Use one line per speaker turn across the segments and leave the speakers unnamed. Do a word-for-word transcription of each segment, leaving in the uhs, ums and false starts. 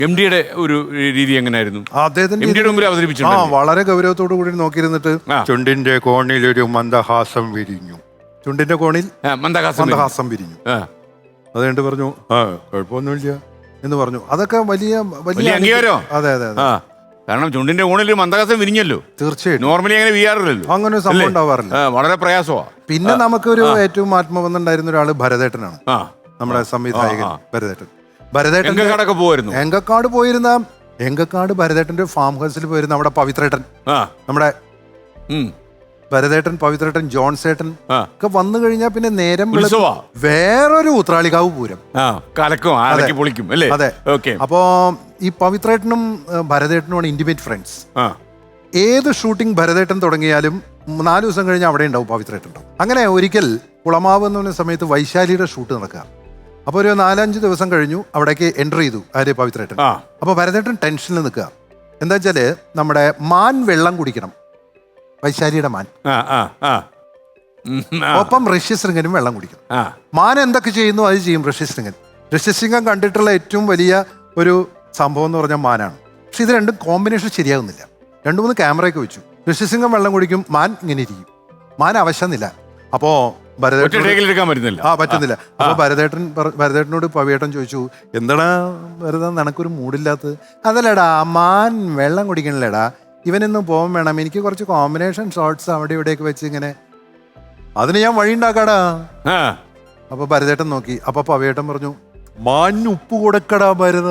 M ഡിയുടെ ഒരു രീതി എങ്ങനെയായിരുന്നു?
അദ്ദേഹത്തിന്റെ
എം ഡിയുടെ മുമ്പിൽ
ആ
അവതരിപ്പിച്ചിട്ടുണ്ട്.
വളരെ ഗൗരവത്തോടു കൂടി നോക്കിയിരുന്നിട്ട്
ആ.
ചുണ്ടിന്റെ കോണിൽ ഒരു മന്ദഹാസം വിരിഞ്ഞു. ചുണ്ടിന്റെ കോണിൽ
ആ, മന്ദഹാസം
മന്ദഹാസം വിരിഞ്ഞു.
ആ.
അത് കഴിഞ്ഞിട്ട് പറഞ്ഞു ആ കുഴപ്പമൊന്നുമില്ല എന്ന് പറഞ്ഞു. അതൊക്കെ വലിയ
വലിയ അംഗീകാരമോ?
അതെ അതെ അതെ
ആ, കാരണം ചുണ്ടിന്റെ കോണിൽ ഒരു മന്ദഹാസം വിരിഞ്ഞല്ലോ.
തീർച്ചയായിട്ടും
നോർമലി അങ്ങനെ വീഴാറില്ലല്ലോ.
അങ്ങനെ ഒരു സംഭവം ഉണ്ടാവാറില്ല.
ആ, വളരെ പ്രയാസമാണ്.
പിന്നെ നമുക്കൊരു ഏറ്റവും ആത്മബന്ധമുണ്ടായിരുന്ന ഒരാള് ഭരതേട്ടനാണ്,
ആ,
നമ്മുടെ സംവിധായകൻ
ആ, ആ.
ഭരതേട്ടൻ. ഭരതേട്ടൻ
എങ്കക്കാടൊക്കെ പോവായിരുന്നു.
എങ്കക്കാട് പോയിരുന്ന എങ്കക്കാട് ഭരതേട്ടന്റെ ഫാം ഹൗസിൽ പോയിരുന്ന നമ്മുടെ പവിത്രേട്ടൻ,
ആ,
നമ്മുടെ
ഉം,
ഭരതേട്ടൻ, പവിത്രേട്ടൻ, ജോൺസേട്ടൻ
ആ.
ഒക്കെ വന്നു കഴിഞ്ഞാൽ പിന്നെ നേരം വെളുത്ത്
ഉത്സവാ.
വേറൊരു ഉത്രാളികാവ് പൂരം.
ആ, കലക്കും ആലക്കി പൊളിക്കും അല്ലേ?
അതെ.
ഓക്കെ.
അപ്പോ ഈ പവിത്രേട്ടനും ഏഹ്, ഭരതേട്ടനുമാണ് ഇന്റിമേറ്റ് ഫ്രണ്ട്സ്.
ആ,
ഏത് ഷൂട്ടിംഗ് ഭരതേട്ടൻ തുടങ്ങിയാലും നാല് ദിവസം കഴിഞ്ഞ് അവിടെ ഉണ്ടാവും പവിത്രേട്ടൻ ഉണ്ടാവും. അങ്ങനെ ഒരിക്കൽ കുളമാവ് എന്ന് പറഞ്ഞ സമയത്ത് വൈശാലിയുടെ ഷൂട്ട് നടക്കുക. അപ്പോൾ ഒരു നാലഞ്ച് ദിവസം കഴിഞ്ഞു അവിടേക്ക് എൻ്റർ ചെയ്തു ആര് പവിത്രേട്ടൻ.
ആ.
അപ്പോൾ ഭരതേട്ടൻ ടെൻഷനിൽ നിൽക്കുക. എന്താ വെച്ചാല് നമ്മുടെ മാൻ വെള്ളം കുടിക്കണം, വൈശാലിയുടെ മാൻ.
ആ, ആ, ആ. ഉം, ആ,
ഒപ്പം ഋഷ്യശൃംഗനും വെള്ളം കുടിക്കണം.
ആ.
മാൻ എന്തൊക്കെ ചെയ്യുന്നു അത് ചെയ്യും ഋഷ്യശൃംഗൻ. ഋഷ്യശൃംഗൻ കണ്ടിട്ടുള്ള ഏറ്റവും വലിയ ഒരു സംഭവം എന്ന് പറഞ്ഞാൽ മാനാണ്. പക്ഷെ ഇത് രണ്ടും കോമ്പിനേഷൻ ശരിയാകുന്നില്ല. രണ്ടു മൂന്ന് ക്യാമറയൊക്കെ വെച്ചു. ഋഷ്യശൃംഗൻ വെള്ളം കുടിക്കും, മാൻ ഇങ്ങനെ ഇരിക്കും. മാൻ അവശന്നില്ല. അപ്പോ ഭരതേട്ടൻ
എടുക്കാൻ പറ്റുന്നില്ല.
ആ പറ്റുന്നില്ല. അപ്പൊ ഭരതേട്ടൻ പറ- ഭരതേട്ടനോട് പവിയേട്ടൻ ചോദിച്ചു, എന്താടാ വെറുതെ നിനക്കൊരു മൂടില്ലാത്തത്? അതല്ലടാ മാൻ വെള്ളം കുടിക്കണില്ലടാ, ഇവനൊന്നും പോകാൻ വേണം, എനിക്ക് കുറച്ച് കോമ്പിനേഷൻ ഷോട്ട്സ് അവിടെ ഇവിടെയൊക്കെ വെച്ച് ഇങ്ങനെ അതിന് ഞാൻ വഴി ഉണ്ടാക്കാടാ.
ആ,
അപ്പൊ ഭരതേട്ടൻ നോക്കി. അപ്പൊ പവിയേട്ടൻ പറഞ്ഞു, മാൻ ഉപ്പ് കൊടുക്കടാ ഭരത.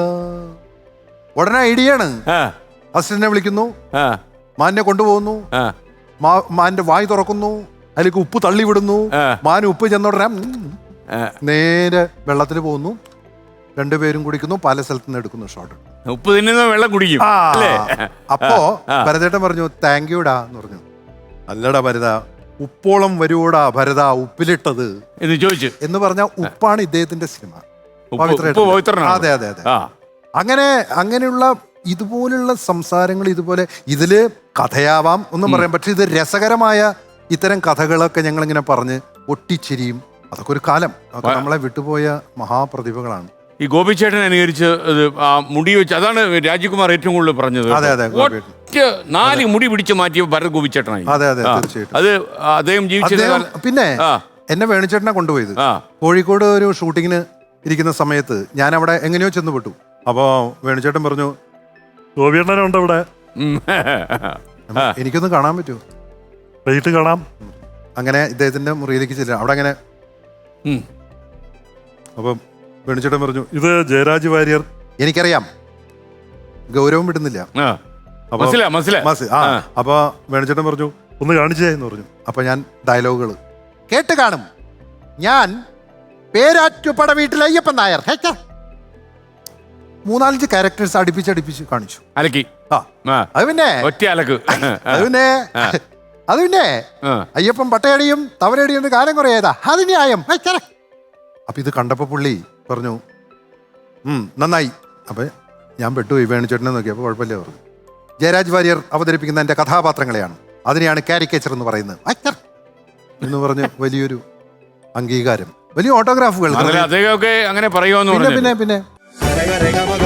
ഉടനെ ഐഡിയാണ്.
ആ,
അസിസ്റ്റന്റിനെ വിളിക്കുന്നു,
ആ,
മാനിനെ കൊണ്ടുപോകുന്നു,
ആ.
മാ- മാന്റെ വായ് തുറക്കുന്നു, അതിലേക്ക് ഉപ്പ് തള്ളി വിടുന്നു.
ആ.
മാൻ ഉപ്പ് ചെന്നോടനെ
ആ.
നേരെ വെള്ളത്തിൽ പോകുന്നു, രണ്ടുപേരും കുടിക്കുന്നു, പല സ്ഥലത്ത് നിന്ന് എടുക്കുന്നു ഷോട്ട്.
ഉപ്പ് തിന്നുന്ന വെള്ളം കുടിക്കും
ആ.
അല്ലേ?
അപ്പോ
ആ.
ഭരതേട്ടൻ പറഞ്ഞു, താങ്ക് യുടാ എന്ന് പറഞ്ഞു. അല്ലടാ ഭരത, ഉപ്പോളം വരുവോടാ ഭരത ഉപ്പിലിട്ടത്
എന്ന് ചോദിച്ചു.
എന്ന് പറഞ്ഞ ഉപ്പാണ് ഇദ്ദേഹത്തിന്റെ സിനിമ.
ഉപ്പ്
പവിത്രേട്ടൻ.
ഉപ്പ് പവിത്രനാണ്.
അതെ അതെ അതെ.
ആ,
അങ്ങനെ അങ്ങനെയുള്ള ഇതുപോലുള്ള സംസാരങ്ങൾ, ഇതുപോലെ ഇതില് കഥയാവാം ഒന്നും പറയാം, പക്ഷെ ഇത് രസകരമായ ഇത്തരം കഥകളൊക്കെ ഞങ്ങളിങ്ങനെ പറഞ്ഞ് ഒട്ടിച്ചിരിയും. അതൊക്കെ ഒരു കാലം, അതൊക്കെ നമ്മളെ വിട്ടുപോയ മഹാപ്രതിഭകളാണ്.
ഈ ഗോപിച്ചേട്ടൻ അനുകരിച്ച് ഇത് ആ മുടി വെച്ച്, അതാണ് രാജകുമാർ ഏറ്റവും കൂടുതൽ പറഞ്ഞത്.
അതെ, അതെ, ഗോപിയേട്ടൻ.
ഒറ്റ നാല് മുടി പിടിച്ച് മാറ്റിയ ഭരത് ഗോപിച്ചേട്ടനായി.
അതെ അതെ
ആ.
തീർച്ചയായിട്ടും.
അത് അദ്ദേഹം ജീവിച്ചിരുന്ന
അദ്ദേഹം
കാലം-
പിന്നെ
ആ,
എന്നെ വേണിച്ചേട്ടനെ കൊണ്ടുപോയത്
ആ,
കോഴിക്കോട് ഒരു ഷൂട്ടിങ്ങിന് ഇരിക്കുന്ന സമയത്ത് ഞാൻ അവിടെ എങ്ങനെയോ ചെന്ന് പെട്ടു. അപ്പോ വേണിച്ചേട്ടൻ പറഞ്ഞു, ഗോപിയേട്ടനുണ്ട് ഇവിടെ,
ഉം. ആ.
എനിക്കൊന്ന് കാണാൻ പറ്റുമോ? വൈകിട്ട് കാണാം. അങ്ങനെ ഇദ്ദേഹത്തിന്റെ മുറിയിലേക്ക് ചെല്ലാം. അവിടെ അങ്ങനെ
ഉം.
അപ്പം വേണിച്ചേട്ടൻ പറഞ്ഞു, ഇത് ജയരാജ് വാര്യർ. എനിക്കറിയാം, ഗൗരവം വിടുന്നില്ല.
ആ.
അപ്പൊ
മനസ്സിലാ മനസ്സിലാ
മസ് ആ
ആ.
അപ്പൊ വേണിച്ചേട്ടൻ പറഞ്ഞു, ഒന്ന് കാണിച്ചേ എന്ന് പറഞ്ഞു. അപ്പൊ ഞാൻ ഡയലോഗുകൾ കേട്ട് കാണും. ഞാൻ പേരാറ്റുപട വീട്ടിൽ അയ്യപ്പൻ നായർ. ഹേ, ഛെ. മൂന്നാലഞ്ച് ക്യാരക്ടേഴ്സ് അടുപ്പിച്ചടുപ്പിച്ച് കാണിച്ചു.
അലക്കി.
ആ
ആ.
അത് പിന്നെ
ഒറ്റ അലക്ക്.
അത് പിന്നെ അത് പിന്നെ
ആ.
അയ്യപ്പൻ പട്ടയടിയും തവരടിയും കാലം കുറേതാ, അത് ന്യായം. ഹേ, ഛെ. അപ്പൊ ഇത് കണ്ടപ്പോ പുള്ളി പറഞ്ഞു, ഉം നന്നായി. അപ്പൊ ഞാൻ പെട്ടുപോയി. വേണിച്ചേട്ടനെ നോക്കി. അപ്പൊ കുഴപ്പമില്ല പറഞ്ഞു. ജയരാജ് വാര്യർ അവതരിപ്പിക്കുന്ന എൻ്റെ കഥാപാത്രങ്ങളെയാണ്, അതിനെയാണ് കാരിക്കേച്ചർ എന്ന് പറയുന്നത് അച്ഛർ എന്ന് പറഞ്ഞ് വലിയൊരു അംഗീകാരം, വലിയ ഓട്ടോഗ്രാഫുകൾ.
അദ്ദേഹമൊക്കെ അങ്ങനെ പറയുമോ എന്ന്
പിന്നെ
പറഞ്ഞു.
പിന്നെ പിന്നെ